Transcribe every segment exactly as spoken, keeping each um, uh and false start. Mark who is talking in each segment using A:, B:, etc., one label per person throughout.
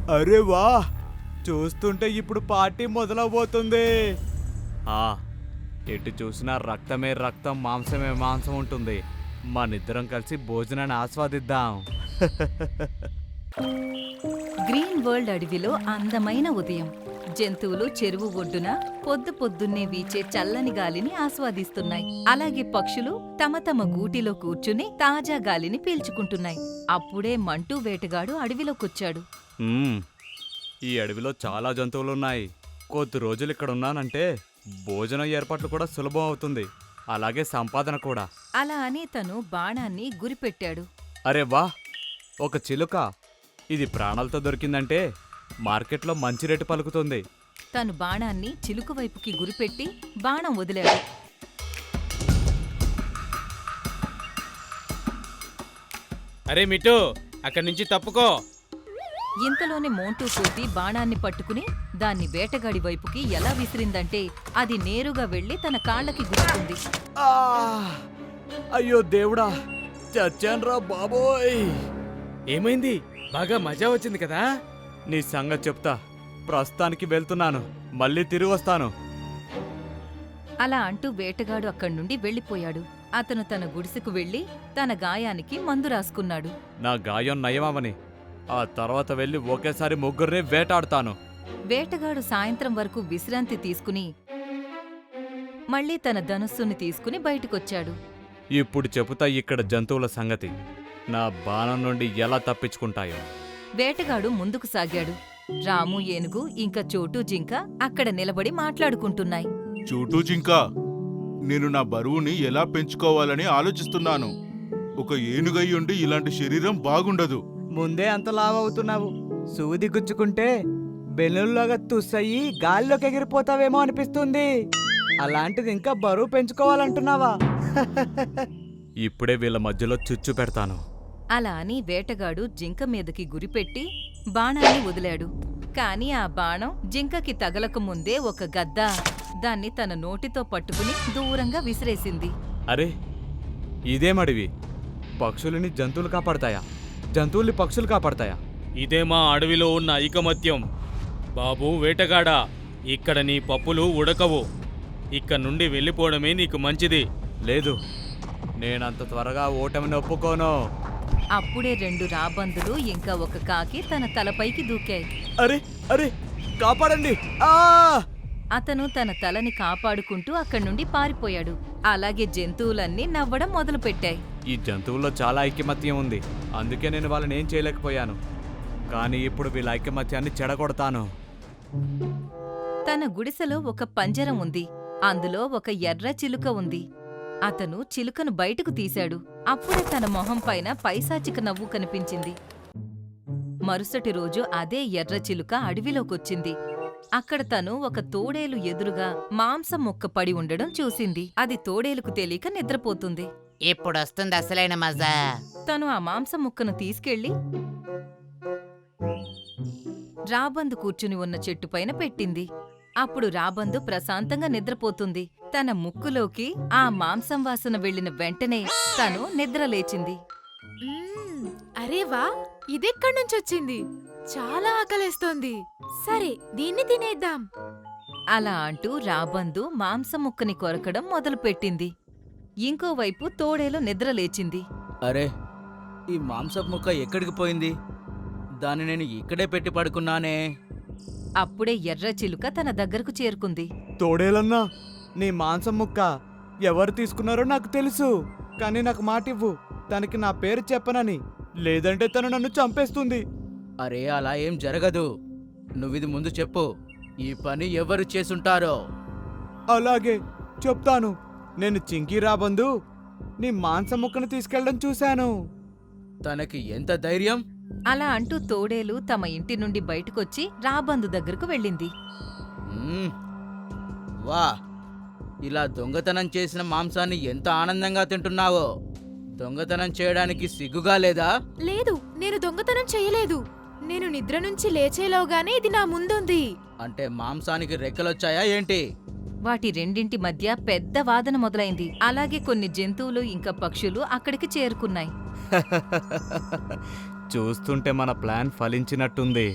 A: అరే వా, చూస్తుంటే ఇప్పుడు పార్టీ మొదలవబోతుంది. ఆ ఎటు చూసినా రక్తమే రక్తం, మాంసమే మాంసం ఉంటుంది. మనిద్దరం కలిసి భోజనాన్ని ఆస్వాదిద్దాం.
B: గ్రీన్ వరల్డ్ అడవిలో అందమైన ఉదయం. జంతువులు చెరువు ఒడ్డున పొద్దు పొద్దున్నే వీచే చల్లని గాలిని ఆస్వాదిస్తున్నాయి. అలాగే పక్షులు తమ తమ గూటిలో కూర్చుని తాజా గాలిని పీల్చుకుంటున్నాయి. అప్పుడే మంటూ వేటగాడు అడవిలోకొచ్చాడు.
A: మ్మ్, ఈ అడవిలో చాలా జంతువులున్నాయి. కొద్ది రోజులు ఇక్కడ ఉన్నానంటే భోజనం ఏర్పాట్లు కూడా సులభం అవుతుంది, అలాగే సంపాదన కూడా.
B: అలా అని తను బాణాన్ని గురిపెట్టాడు.
A: అరే వా, ఒక చిలుక. ఇది ప్రాణాలతో దొరికిందంటే మార్కెట్లో మంచి రేటు పలుకుతుంది.
B: తను బాణాన్ని చిలుక వైపుకి గురిపెట్టి బాణం వదిలాడు.
C: అరే మిట్టు, అక్కడి నుంచి తప్పుకో.
B: ఇంతలోనే మోంటూ కోతి బాణాన్ని పట్టుకుని దాన్ని వేటగాడి వైపుకి ఎలా విసిరిందంటే అది నేరుగా వెళ్లి తన కాళ్ళకి గుచ్చుకుంది.
A: ఆ! అయ్యో దేవుడా, చచ్చాన్రా బాబోయ్.
C: ఏమైంది? బాగా మజా వచ్చింది కదా.
A: నీ సంగతి చెప్తా. ప్రస్తుతానికి వెళ్తున్నాను, మళ్ళీ తిరిగి వస్తాను.
B: అలా అంటూ వేటగాడు అక్కడి నుండి వెళ్లిపోయాడు. అతను తన గుడిసెకు వెళ్లి తన గాయానికి మందు రాసుకున్నాడు.
A: నా గాయం నయమవని ఆ తర్వాత వెళ్ళి ఒకేసారి ముగ్గురిని వేటాడుతాను.
B: వేటగాడు సాయంత్రం వరకు విశ్రాంతి తీసుకుని మళ్లీ తన ధనుస్సుని తీసుకుని బయటకొచ్చాడు.
A: ఇప్పుడు చెబుతా ఇక్కడ జంతువుల సంగతి, నా బాణం నుండి ఎలా తప్పించుకుంటాయో.
B: వేటగాడు ముందుకు సాగాడు. రాము ఏనుగు ఇంకా చోటు జింక అక్కడ నిలబడి మాట్లాడుకుంటున్నాయి.
D: చోటు జింక, నేను నా బరువుని ఎలా పెంచుకోవాలని ఆలోచిస్తున్నాను. ఒక ఏనుగయ్యుండి ఇలాంటి శరీరం బాగుండదు.
E: ముందే అంత లావవుతున్నావు. సూది గుచ్చుకుంటే బెలూన్లాగా తుస్సయ్యి గాల్లోకి ఎగిరిపోతావేమో అనిపిస్తుంది. అలాంటిది ఇంకా బరువు పెంచుకోవాలంటున్నావా?
A: ఇప్పుడే వీళ్ళ మధ్యలో చుచ్చు పెడతాను.
B: అలా అని వేటగాడు జింక మీదకి గురిపెట్టి బాణాన్ని వదిలాడు. కాని ఆ బాణం జింకకి తగలక ముందే ఒక గద్ద దాన్ని తన నోటితో పట్టుకుని దూరంగా విసిరేసింది.
A: అరే, ఇదేమడివి? పక్షులని జంతువులు కాపాడతాయా? జంతువుల్ని పక్షులు కాపాడతాయా?
C: ఇదే మా అడవిలో ఉన్న ఐకమత్యం. బాబూ వేటగాడా, ఇక్కడ నీ పప్పులు ఉడకవు. ఇక్కడ నుండి వెళ్ళిపోవడమే నీకు మంచిది.
A: లేదు, నేనంత త్వరగా ఓటమిని ఒప్పుకోను.
B: అప్పుడే రెండు రాబందులు ఇంకా ఒక కాకి తన తలపైకి దూకాయి.
A: అరే అరే, కాపాడండి! ఆ!
B: అతను తన తలని కాపాడుకుంటూ అక్కడి నుండి పారిపోయాడు. అలాగే జంతువులన్నీ నవ్వడం మొదలుపెట్టాయి.
A: ఈ జంతువుల్లో చాలా ఐకమత్యం ఉంది, అందుకే నేను వాళ్ళని ఏం చేయలేకపోయాను. కానీ ఇప్పుడు వీళ్ళ ఐకమత్యాన్ని చెడగొడతాను.
B: తన గుడిసెలో ఒక పంజరం ఉంది. అందులో ఒక ఎర్ర చిలుక ఉంది. అతను చిలుకను బయటకు తీశాడు. అప్పుడే తన మొహం పైన పైశాచిక నవ్వు కనిపించింది. మరుసటి రోజు అదే ఎర్ర చిలుక అడవిలోకొచ్చింది. అక్కడ తను ఒక తోడేలు ఎదురుగా మాంసం ముక్క పడి ఉండడం చూసింది. అది తోడేలుకు తెలియక నిద్రపోతుంది.
F: ఇప్పుడొస్తుంది అసలైన మజా.
B: తను ఆ మాంసం ముక్కను తీసుకెళ్లి రాబందు కూర్చుని ఉన్న చెట్టుపైన పెట్టింది. అప్పుడు రాబందు ప్రశాంతంగా నిద్రపోతుంది. తన ముక్కులోకి ఆ మాంసం వాసన వెళ్లిన వెంటనే తను నిద్రలేచింది.
G: మ్మ్, అరే వా, ఇదెక్కడి నుంచొచ్చింది? చాలా ఆకలేస్తోంది. సరే, దీన్ని తినేద్దాం.
B: అలా అంటూ రాబందు మాంసం ముక్కని కొరకడం మొదలుపెట్టింది. ఇంకోవైపు తోడేలు నిద్రలేచింది.
E: అరే, ఈ మాంసపు ముక్క ఎక్కడికి పోయింది? దాన్ని నేను ఇక్కడే పెట్టి పడుకున్నానే.
B: అప్పుడే ఎర్ర చిలుక తన దగ్గరకు చేరుకుంది.
A: తోడేలన్నా,
E: నీ మాంసం ముక్క ఎవరు తీసుకున్నారో నాకు తెలుసు. కానీ నాకు మాటివ్వు, తనకి నా పేరు చెప్పనని. లేదంటే తను నన్ను చంపేస్తుంది. అరే, అలా ఏం జరగదు. నువ్విది ముందు చెప్పు. ఈ పని ఎవరు చేసుంటారో. అలాగే చెప్తాను. నేను చింకీ రాబందు నీ మాంసం ముక్కను తీసుకెళ్ళడం చూశాను. తనకి ఎంత ధైర్యం?
B: అలా అంటూ తోడేలు తమ ఇంటి నుండి బయటకొచ్చి రాబందు దగ్గరకు వెళ్ళింది.
E: మ్మ్. వా, ఇలా దొంగతనం చేసిన మాంసాన్ని ఎంత ఆనందంగా తింటున్నావో. దొంగతనం చేయడానికి సిగ్గుగా లేదా?
G: లేదు, నేను దొంగతనం చేయలేదు. నేను నిద్ర నుంచి లేచేలోగానే ఇది నా ముందుంది.
E: అంటే మాంసానికి రెక్కలొచ్చాయా ఏంటి?
B: వాటి రెండింటి మధ్య పెద్ద వాదన మొదలైంది. అలాగే కొన్ని జంతువులు ఇంకా పక్షులు అక్కడికి చేరుకున్నాయి.
A: చూస్తుంటే మన ప్లాన్ ఫలించినట్టుంది.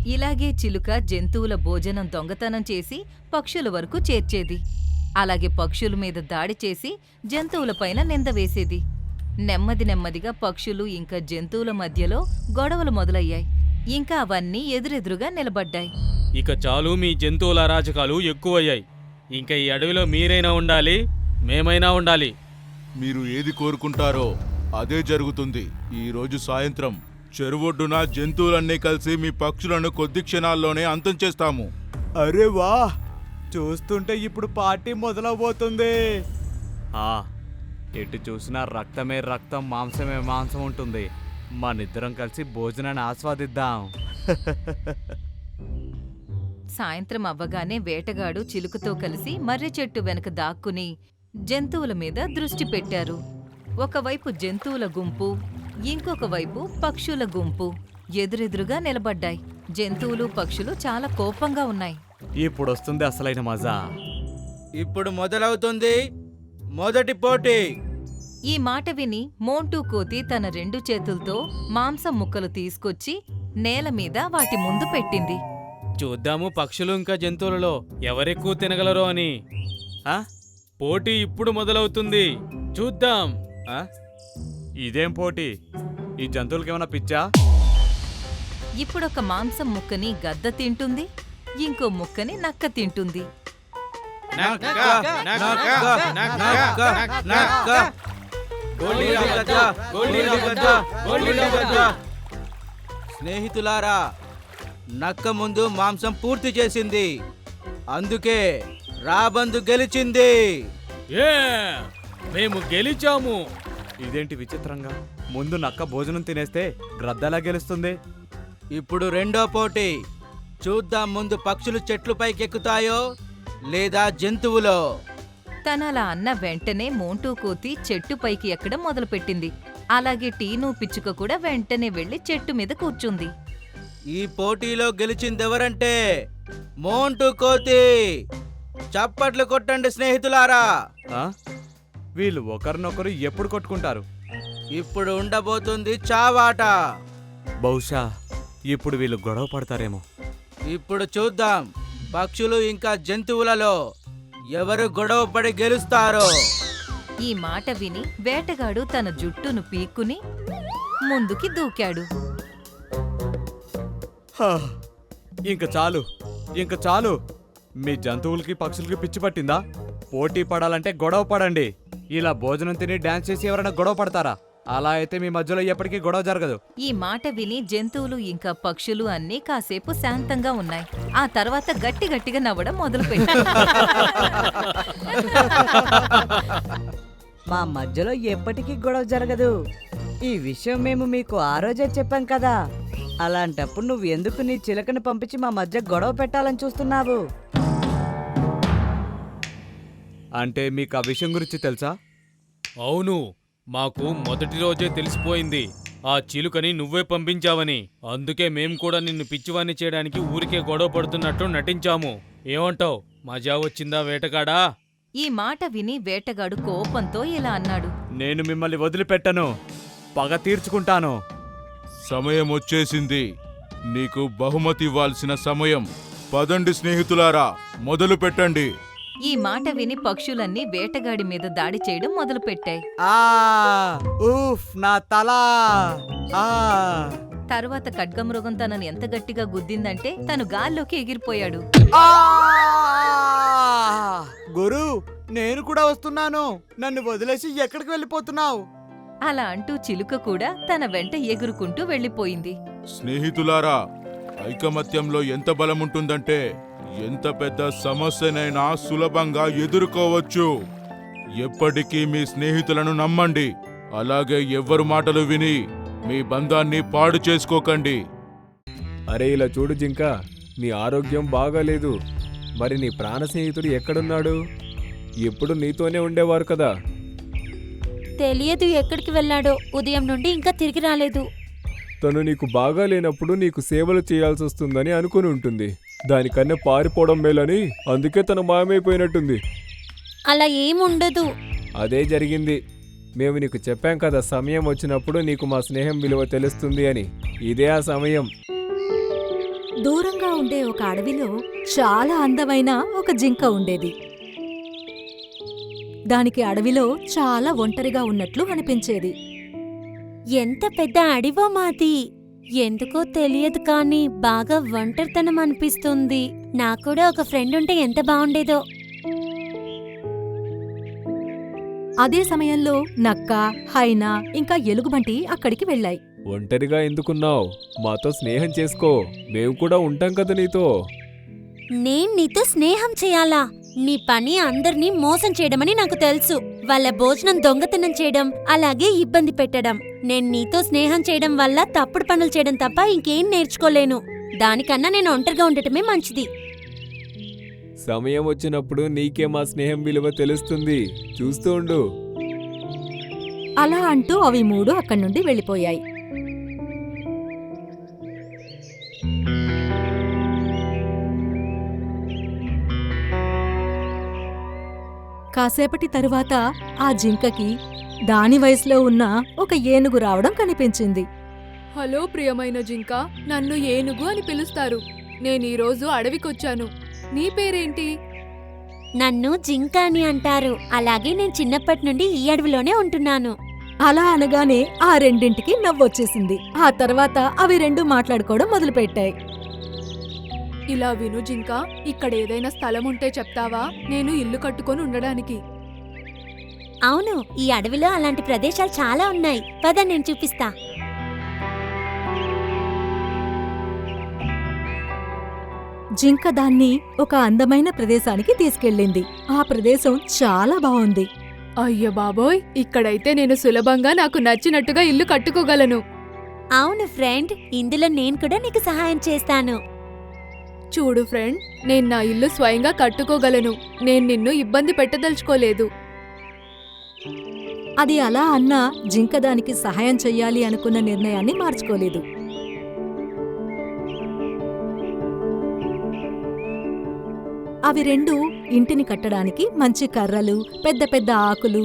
B: ఇలాగే చిలుక జంతువుల భోజనం దొంగతనం చేసి పక్షుల వరకు చేర్చేది. అలాగే పక్షుల మీద దాడి చేసి జంతువులపైన నింద వేసేది. నెమ్మది నెమ్మదిగా పక్షులు ఇంకా జంతువుల మధ్యలో గొడవలు మొదలయ్యాయి. ఇంకా అవన్నీ ఎదురెదురుగా నిలబడ్డాయి.
C: ఇక చాలు, మీ జంతువుల అరాచకాలు ఎక్కువయ్యాయి. ఇంకా ఈ అడవిలో మీరైనా ఉండాలి, మేమైనా ఉండాలి.
D: మీరు ఏది కోరుకుంటారో అదే జరుగుతుంది. ఈ రోజు సాయంత్రం చెరువొడ్డున జంతువులన్నీ కలిసి మీ పక్షులను కొద్ది క్షణాల్లోనే అంతం చేస్తాము.
A: అరే వా, చూస్తుంటే ఇప్పుడు పార్టీ మొదలవబోతుంది. ఆ, ఎటు చూసినా రక్తమే రక్తం, మాంసమే మాంసం ఉంటుంది. మనిద్దరం కలిసి భోజనాన్ని ఆస్వాదిద్దాం.
B: సాయంత్రం అవ్వగానే వేటగాడు చిలుకతో కలిసి మర్రి చెట్టు వెనక దాక్కుని జంతువుల మీద దృష్టి పెట్టారు. ఒకవైపు జంతువుల గుంపు, ఇంకొక వైపు పక్షుల గుంపు ఎదురెదురుగా నిలబడ్డాయి. జంతువులు పక్షులు చాలా కోపంగా ఉన్నాయి.
A: ఇప్పుడు వస్తుంది అసలైన మజా.
E: ఇప్పుడు మొదలవుతుంది మొదటి పోటీ.
B: ఈ మాట విని మోంటూ కోతి తన రెండు చేతులతో మాంసం ముక్కలు తీసుకొచ్చి నేల మీద వాటి ముందు పెట్టింది.
C: చూద్దాము పక్షులు ఇంకా జంతువులలో ఎవరెక్కువ తినగలరో అని.
A: ఆ?
C: పోటీ ఇప్పుడు మొదలవుతుంది, చూద్దాం.
A: ఆ? ఇదేం పోటీ? ఈ జంతువులకేమైనా పిచ్చా?
B: ఇప్పుడొక మాంసం ముక్కని గద్ద తింటుంది, ఇంకో ముక్కని నక్క తింటుంది.
C: నక్క, నక్క, నక్క, నక్క,
E: నక్క. గోలీల గద్ద, గోలీల గద్ద, గోలీల గద్ద. స్నేహితులారా, నక్క ముందు మాంసం పూర్తి చేసింది, అందుకే రాబందు గెలిచింది.
C: ఏ, మేము గెలిచాము.
A: ఇదేంటి విచిత్రంగా? ముందు నక్క భోజనం తినేస్తే గ్రద్దలా గెలుస్తుంది.
E: ఇప్పుడు రెండో పోటీ. చూద్దాం ముందు పక్షులు చెట్లు పైకెక్కుతాయో లేదా జంతువులో.
B: తనలా అన్న వెంటనే మోంటూ కోతి చెట్టు పైకి ఎక్కడం మొదలుపెట్టింది. అలాగే టీను పిచ్చుక కూడా వెంటనే వెళ్లి చెట్టు మీద కూర్చుంది.
E: ఈ పోటీలో గెలిచిందెవరంటే మోంటూ కోతి. చప్పట్లు కొట్టండి స్నేహితులారా.
A: ఆ? వీళ్ళు ఒకరినొకరు ఎప్పుడు కొట్టుకుంటారు?
E: ఇప్పుడు ఉండబోతుంది చావాట.
A: బహుశా ఇప్పుడు వీళ్ళు గొడవ పడతారేమో.
E: ఇప్పుడు చూద్దాం పక్షులు ఇంకా జంతువులలో ఎవరు గొడవ పడి గెలుస్తారో.
B: ఈ మాట విని వేటగాడు తన జుట్టును పీక్కుని ముందుకి దూకాడు.
A: హా, ఇంక చాలు, ఇంక చాలు. మీ జంతువులకి పక్షులకి పిచ్చి పట్టిందా? పోటీ పడాలంటే గొడవ పడండి. ఇలా భోజనం తిని డాన్స్ చేసి ఎవరైనా గొడవ పడతారా? అలా అయితే మీ మధ్యలో ఎప్పటికీ గొడవ జరగదు.
B: ఈ మాట విని జంతువులు ఇంకా పక్షులు అన్నీ కాసేపు శాంతంగా ఉన్నాయి. ఆ తర్వాత గట్టి గట్టిగా నవ్వడం మొదలుపెట్టాయి.
H: మా మధ్యలో ఎప్పటికీ గొడవ జరగదు. ఈ విషయం మేము మీకు ఆ రోజే చెప్పాం కదా. అలాంటప్పుడు నువ్వు ఎందుకు నీ చిలకను పంపించి మా మధ్య గొడవ పెట్టాలని చూస్తున్నావు?
A: అంటే మీకు ఆ విషయం గురించి తెలుసా?
C: అవును, మాకు మొదటి రోజే తెలిసిపోయింది. ఆ చిలుకని నువ్వే పంపించావని. అందుకే మేం కూడా నిన్ను పిచ్చివాణ్ణి చేయడానికి ఊరికే గొడవ పడుతున్నట్టు నటించాము. ఏమంటావ్? మజా వచ్చిందా వేటగాడా?
B: ఈ మాట విని వేటగాడు కోపంతో ఇలా అన్నాడు.
A: నేను మిమ్మల్ని వదిలిపెట్టను, పగ తీర్చుకుంటాను.
D: సమయం వచ్చేసింది. నీకు బహుమతి ఇవ్వాల్సిన సమయం. పదండి స్నేహితులారా, మొదలు పెట్టండి.
B: ఈ మాట విని పక్షులన్నీ వేటగాడి మీద దాడి చేయడం మొదలుపెట్టాయి.
A: ఆ ఊఫ్, నా తల! ఆ
B: తరువాత ఖడ్గమృగం తనను ఎంత గట్టిగా గుద్దిందంటే తను గాల్లోకి ఎగిరిపోయాడు.
A: ఆ! గురు, నేను కూడా వస్తున్నాను. నన్ను వదిలేసి ఎక్కడికి వెళ్ళిపోతున్నావు?
B: అలా అంటూ చిలుక కూడా తన వెంట ఎగురుకుంటూ వెళ్ళిపోయింది.
D: స్నేహితులారా, ఐకమత్యంలో ఎంత బలం ఉంటుందంటే ఎంత పెద్ద సమస్యనైనా సులభంగా ఎదుర్కోవచ్చు. ఎప్పటికీ మీ స్నేహితులను నమ్మండి. అలాగే ఎవ్వరు మాటలు విని మీ బంధాన్ని పాడు చేసుకోకండి.
I: అరే ఇలా చూడు జింక, నీ ఆరోగ్యం బాగాలేదు. మరి నీ ప్రాణ స్నేహితుడు ఎక్కడున్నాడు? ఎప్పుడు నీతోనే ఉండేవారు కదా.
G: తెలియదు ఎక్కడికి వెళ్ళాడో. ఉదయం నుండి ఇంకా తిరిగి రాలేదు.
I: తను నీకు బాగా లేనప్పుడు నీకు సేవలు చేయాల్సి వస్తుందని అనుకుని ఉంటుంది. దానికన్నా పారిపోవడం మేలని అందుకే తను మాయమైపోయినట్టుంది.
G: అలా ఏముండదు.
I: అదే జరిగింది. మేము నీకు చెప్పాం కదా, సమయం వచ్చినప్పుడు నీకు మా స్నేహం విలువ తెలుస్తుంది అని. ఇదే ఆ సమయం.
J: దూరంగా ఉండే ఒక అడవిలో చాలా అందమైన ఒక జింక ఉండేది. దానికి అడవిలో చాలా ఒంటరిగా ఉన్నట్లు అనిపించేది.
K: ఎంత పెద్ద అడివో మాది, ఎందుకో తెలియదు కానీ బాగా ఒంటరితనం అనిపిస్తుంది. నాకు కూడా ఒక ఫ్రెండ్ ఉంటే ఎంత బాగుండేదో.
J: అదే సమయంలో నక్క, హైనా ఇంకా ఎలుగుబంటి అక్కడికి వెళ్ళాయి.
I: ఒంటరిగా ఎందుకున్నావు? మాతో స్నేహం చేసుకో, మేము కూడా ఉంటాం కదా నీతో.
K: నేను నీతో స్నేహం చేయాలా? నీ పని అందర్నీ మోసం చేయడమని నాకు తెలుసు. వాళ్ళ భోజనం దొంగతనం చేయడం, అలాగే ఇబ్బంది పెట్టడం. నేను నీతో స్నేహం చేయడం వల్ల తప్పుడు పనులు చేయడం తప్ప ఇంకేం నేర్చుకోలేను. దానికన్నా నేను ఒంటరిగా ఉండటమే మంచిది.
I: సమయం వచ్చినప్పుడు నీకే మా స్నేహం విలువ తెలుస్తుంది, చూస్తూ ఉండు.
J: అలా అంటూ అవి మూడు అక్కడి నుండి వెళ్ళిపోయాయి. కాసేపటి తరువాత ఆ జింకకి దాని వయసులో ఉన్న ఒక ఏనుగు రావడం కనిపించింది.
G: హలో ప్రియమైన జింక, నన్ను ఏనుగు అని పిలుస్తారు. నేను ఈరోజు అడవికొచ్చాను. నీ పేరేంటి?
K: నన్ను జింక అని అంటారు. అలాగే నేను చిన్నప్పటి నుండి ఈ అడవిలోనే ఉంటున్నాను.
J: అలా అనగానే ఆ రెండింటికి నవ్వొచ్చేసింది. ఆ తర్వాత అవి రెండు మాట్లాడుకోవడం మొదలుపెట్టాయి.
G: ఇలా విను జింక, ఇక్కడ ఏదైనా స్థలం ఉంటే చెప్తావా? నేను ఇల్లు కట్టుకొని ఉండడానికి.
K: అవును, ఈ అడవిలో అలాంటి ప్రదేశాలు చాలా ఉన్నాయి. పద నేను చూపిస్తా.
J: జింక దాన్ని ఒక అందమైన ప్రదేశానికి తీసుకెళ్ళింది. ఆ ప్రదేశం చాలా బాగుంది.
G: అయ్య బాబోయ్, ఇక్కడైతే నేను సులభంగా నాకు నచ్చినట్టుగా ఇల్లు కట్టుకోగలను.
K: అవును ఫ్రెండ్, ఇందులో నేను కూడా నీకు సహాయం చేస్తాను.
G: చూడు ఫ్రెండ్, నేను నా ఇల్లు స్వయంగా కట్టుకోగలను. నేను నిన్ను ఇబ్బంది పెట్టదలుచుకోలేదు.
J: అది అలా అన్నా జింక దానికి సహాయం చెయ్యాలి అనుకున్న నిర్ణయాన్ని మార్చుకోలేదు. అవి రెండు ఇంటిని కట్టడానికి మంచి కర్రలు, పెద్ద పెద్ద ఆకులు,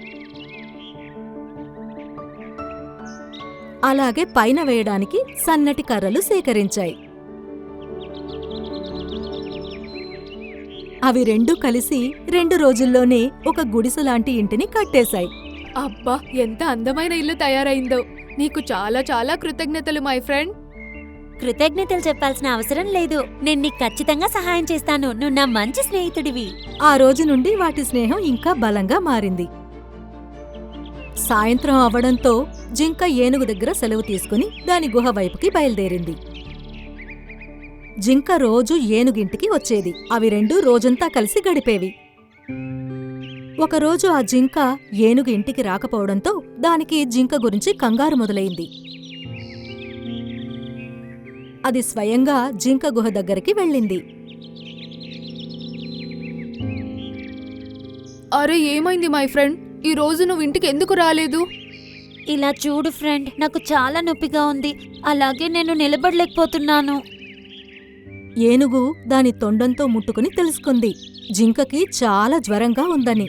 J: అలాగే పైన వేయడానికి సన్నటి కర్రలు సేకరించాయి. అవి రెండు కలిసి రెండు రోజుల్లోనే ఒక గుడిసెలాంటి ఇంటిని కట్టేశాయి.
G: అబ్బా, ఎంత అందమైన ఇల్లు తయారైందో! నీకు చాలా చాలా కృతజ్ఞతలు మై ఫ్రెండ్.
K: కృతజ్ఞతలు చెప్పాల్సిన అవసరం లేదు. నేను నీకు ఖచ్చితంగా సహాయం చేస్తాను. నువ్వు నా మంచి స్నేహితుడివి.
J: ఆ రోజు నుండి వాటి స్నేహం ఇంకా బలంగా మారింది. సాయంత్రం అవడంతో జింక ఏనుగు దగ్గర సెలవు తీసుకుని దాని గుహ వైపుకి బయలుదేరింది. జింక రోజు ఏనుగింటికి వచ్చేది. అవి రెండు రోజంతా కలిసి గడిపేవి. ఒకరోజు ఆ జింక ఏనుగు ఇంటికి రాకపోవడంతో దానికి జింక గురించి కంగారు మొదలైంది. అది స్వయంగా జింక గుహ దగ్గరికి వెళ్ళింది.
G: అరే, ఏమైంది మై ఫ్రెండ్? ఈ రోజు నువ్వు ఇంటికి ఎందుకు రాలేదు?
K: ఇలా చూడు ఫ్రెండ్, నాకు చాలా నొప్పిగా ఉంది. అలాగే నేను నిలబడలేకపోతున్నాను.
J: ఏనుగు దాని తొండంతో ముట్టుకుని తెలుసుకుంది జింకకి చాలా జ్వరంగా ఉందని.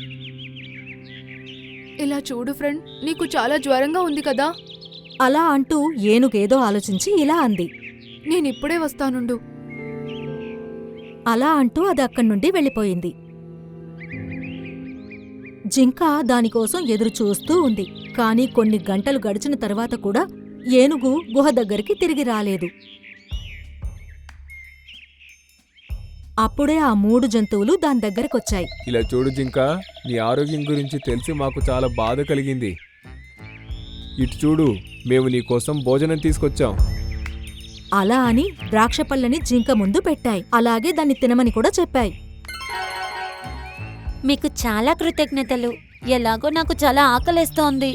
G: ఇలా చూడు ఫ్రెండ్, నీకు చాలా జ్వరంగా ఉంది కదా?
J: అలా అంటూ ఏనుగేదో ఆలోచించి ఇలా అంది,
G: నేనిప్పుడే వస్తానుండు.
J: అలా అంటూ అది అక్కడి నుండి వెళ్ళిపోయింది. జింక దానికోసం ఎదురు చూస్తూ ఉంది. కాని కొన్ని గంటలు గడిచిన తర్వాత కూడా ఏనుగు గుహ దగ్గరికి తిరిగి రాలేదు. అప్పుడే ఆ మూడు జంతువులు దాని దగ్గరకొచ్చాయి.
I: ఇలా చూడు జింక, నీ ఆరోగ్యం గురించి తెలిసి మాకు చాలా బాధ కలిగింది. ఇటు చూడు, మేము నీకోసం భోజనం తీసుకొచ్చాం.
J: అలా అని ద్రాక్షపళ్ళని జింక ముందు పెట్టాయి. అలాగే దాన్ని తినమని కూడా చెప్పాయి.
K: మీకు చాలా కృతజ్ఞతలు. ఎలాగో నాకు చాలా ఆకలేస్తోంది.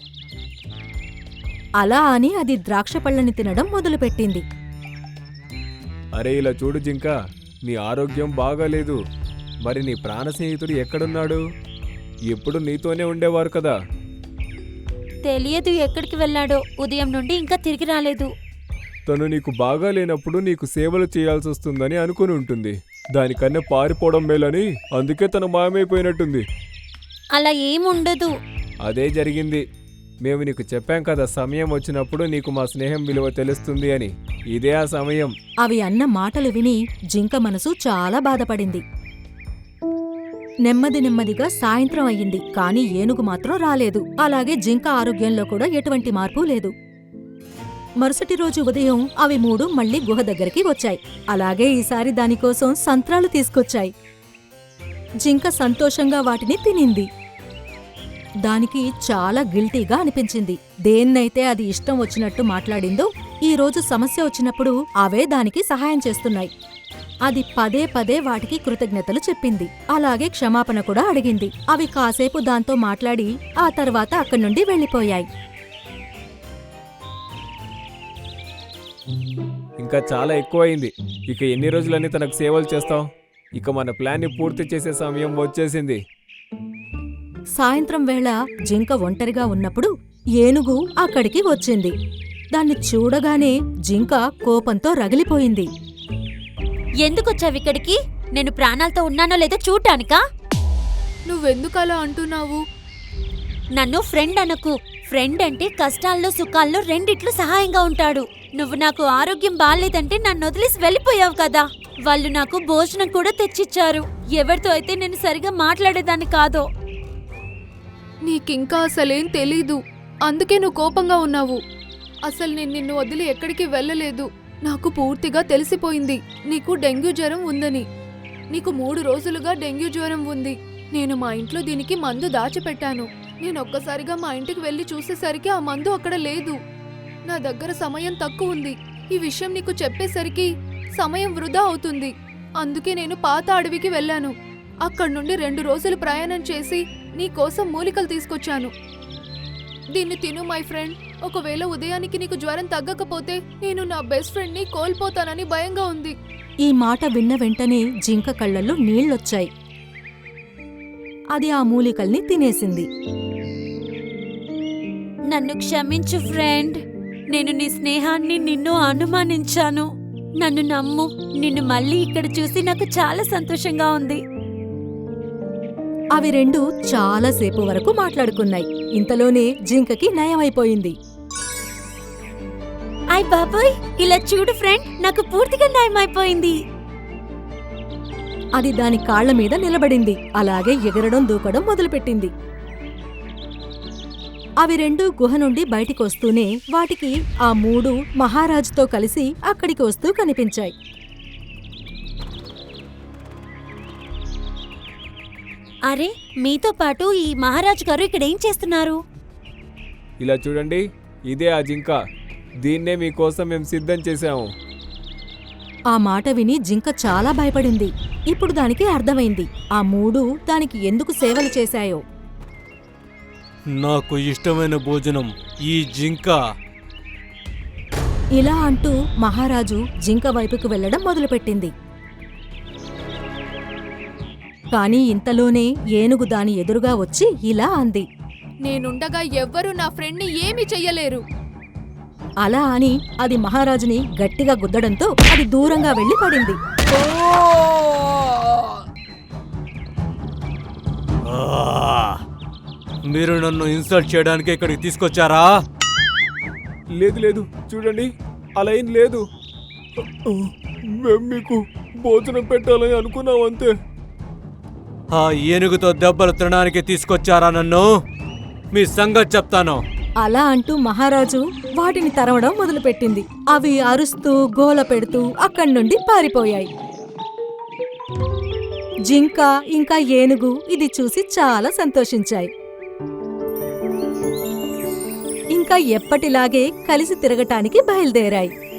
J: అలా అని అది ద్రాక్షపళ్ళని తినడం మొదలుపెట్టింది.
I: అరే ఇలా చూడు జింక, నీ ఆరోగ్యం బాగాలేదు. మరి నీ ప్రాణ స్నేహితుడు ఎక్కడున్నాడు? ఎప్పుడు నీతోనే ఉండేవారు కదా.
K: తెలియదు ఎక్కడికి వెళ్ళాడో. ఉదయం నుండి ఇంకా తిరిగి రాలేదు.
I: తను నీకు బాగా లేనప్పుడు నీకు సేవలు చేయాల్సి వస్తుందని అనుకుని ఉంటుంది. దానికన్నా పారిపోవడం మేలని అందుకే తను మాయమైపోయినట్టుంది.
K: అలా ఏముండదు.
I: అదే జరిగింది. మేము నీకు చెప్పాం కదా సమయం వచ్చినప్పుడు నీకు మా స్నేహం విలువ తెలుస్తుంది అని. ఇదే ఆ సమయం.
J: అవి అన్న మాటలు విని జింక మనసు చాలా బాధపడింది. నెమ్మది నెమ్మదిగా సాయంత్రం అయ్యింది, కాని ఏనుగు మాత్రం రాలేదు. అలాగే జింక ఆరోగ్యంలో కూడా ఎటువంటి మార్పు లేదు. మరుసటి రోజు ఉదయం అవి మూడు మళ్లీ గుహ దగ్గరికి వచ్చాయి. అలాగే ఈసారి దానికోసం సంత్రాలు తీసుకొచ్చాయి. జింక సంతోషంగా వాటిని తినింది. దానికి చాలా గిల్టీగా అనిపించింది. దేన్నైతే అది ఇష్టం వచ్చినట్టు మాట్లాడిందో ఈ రోజు సమస్య వచ్చినప్పుడు అవే దానికి సహాయం చేస్తున్నాయి. అది పదే పదే వాటికి కృతజ్ఞతలు చెప్పింది. అలాగే క్షమాపణ కూడా అడిగింది. అవి కాసేపు దాంతో మాట్లాడి ఆ తర్వాత అక్కడి నుండి వెళ్ళిపోయాయి.
I: ఇంకా చాలా ఎక్కువయింది. ఇక ఎన్ని రోజులని తనకు సేవలు చేస్తావు? ఇక మన ప్లాన్ని పూర్తి చేసే సమయం వచ్చేసింది.
J: సాయంత్రం వేళ జింక ఒంటరిగా ఉన్నప్పుడు ఏనుగు అక్కడికి వచ్చింది. దాన్ని చూడగానే జింక కోపంతో రగిలిపోయింది.
K: ఎందుకొచ్చావిక్కడికి? నేను ప్రాణాలతో ఉన్నానో లేదో చూడ్డానికా?
G: నువ్వెందుకలా అంటున్నావు?
K: నన్ను ఫ్రెండ్ అనకు. ఫ్రెండ్ అంటే కష్టాల్లో సుఖాల్లో రెండిట్లు సహాయంగా ఉంటాడు. నువ్వు నాకు ఆరోగ్యం బాలేదంటే నన్ను వదిలేసి వెళ్ళిపోయావు కదా. వాళ్ళు నాకు భోజనం కూడా తెచ్చిచ్చారు. ఎవరితో అయితే నేను సరిగా మాట్లాడేదాన్ని కాదో.
G: నీకింకా అసలేం తెలీదు, అందుకే నువ్వు కోపంగా ఉన్నావు. అసలు నేను నిన్ను వదిలి ఎక్కడికి వెళ్ళలేదు. నాకు పూర్తిగా తెలిసిపోయింది నీకు డెంగ్యూ జ్వరం ఉందని. నీకు మూడు రోజులుగా డెంగ్యూ జ్వరం ఉంది. నేను మా ఇంట్లో దీనికి మందు దాచిపెట్టాను. నేను ఒక్కసారిగా మా ఇంటికి వెళ్ళి చూసేసరికి ఆ మందు అక్కడ లేదు. నా దగ్గర సమయం తక్కువ ఉంది. ఈ విషయం నీకు చెప్పేసరికి సమయం వృధా అవుతుంది. అందుకే నేను పాత అడవికి వెళ్ళాను. అక్కడి నుండి రెండు రోజులు ప్రయాణం చేసి నీ కోసం మూలికలు తీసుకొచ్చాను. దీన్ని తిను మై ఫ్రెండ్. ఒకవేళ ఉదయానికి నీకు జ్వరం తగ్గకపోతే నేను నా బెస్ట్ ఫ్రెండ్ ని కోల్పోతానని భయంగా ఉంది.
J: ఈ మాట విన్న వెంటనే జింక కళ్ళల్లో నీళ్లొచ్చాయి. అది ఆ మూలికల్ని తినేసింది.
K: నన్ను క్షమించు ఫ్రెండ్. నేను నీ స్నేహాన్ని నిన్ను అనుమానించాను. నన్ను నమ్ము. నిన్ను మళ్ళీ ఇక్కడ చూసి నాకు చాలా సంతోషంగా ఉంది.
J: అవి రెండు చాలాసేపు వరకు మాట్లాడుకున్నాయి. ఇంతలోనే జింకకి నయమైపోయింది.
K: ఆయ్ బాబాయ్, ఇలా చూడు ఫ్రెండ్, నాకు పూర్తిగా నయమైపోయింది.
J: అది దాని కాళ్ల మీద నిలబడింది. అలాగే ఎగరడం దూకడం మొదలుపెట్టింది. అవి రెండు గుహ నుండి బయటికొస్తూనే వాటికి ఆ మూడు మహారాజుతో కలిసి అక్కడికి వస్తూ కనిపించాయి.
K: అరే, మీతో పాటు ఈ మహారాజు గారు ఇక్కడేం చేస్తున్నారు?
I: ఇలా చూడండి, ఇదే ఆ జింక. దీన్నే మీకోసం మేము సిద్ధం చేశాము.
J: ఆ మాట విని జింక చాలా భయపడింది. ఇప్పుడు దానికి అర్థమైంది ఆ మూడు దానికి ఎందుకు సేవలు చేశాయో.
C: నాకు ఇష్టమైన భోజనం ఈ జింక.
J: ఇలా అంటూ మహారాజు జింక వైపుకు వెళ్లడం మొదలుపెట్టింది. కాని ఇంతలోనే ఏనుగు దాని ఎదురుగా వచ్చి ఇలా అంది.
G: నేనుండగా ఎవ్వరూ నా ఫ్రెండ్ ని ఏమీ చెయ్యలేరు.
J: అలా అని అది మహారాజుని గట్టిగా గుద్దడంతో అది దూరంగా వెళ్లి పడింది.
C: మీరు నన్ను ఇన్సల్ట్ చేయడానికి ఇక్కడికి తీసుకొచ్చారా?
I: లేదు లేదు, చూడండి, అలా ఏం లేదు. మేము మీకు భోజనం పెట్టాలని అనుకున్నాం అంతే.
C: ఆ ఏనుగుతో దెబ్బలు తినడానికి తీసుకొచ్చారా నన్ను? మీ సంగతి చెప్తాను.
J: అలా అంటూ మహారాజు వాటిని తరవడం మొదలుపెట్టింది. అవి అరుస్తూ గోల పెడుతూ అక్కడి నుండి పారిపోయాయి. జింక ఇంకా ఏనుగు ఇది చూసి చాలా సంతోషించాయి. ఇంకా ఎప్పటిలాగే కలిసి తిరగటానికి బయలుదేరాయి.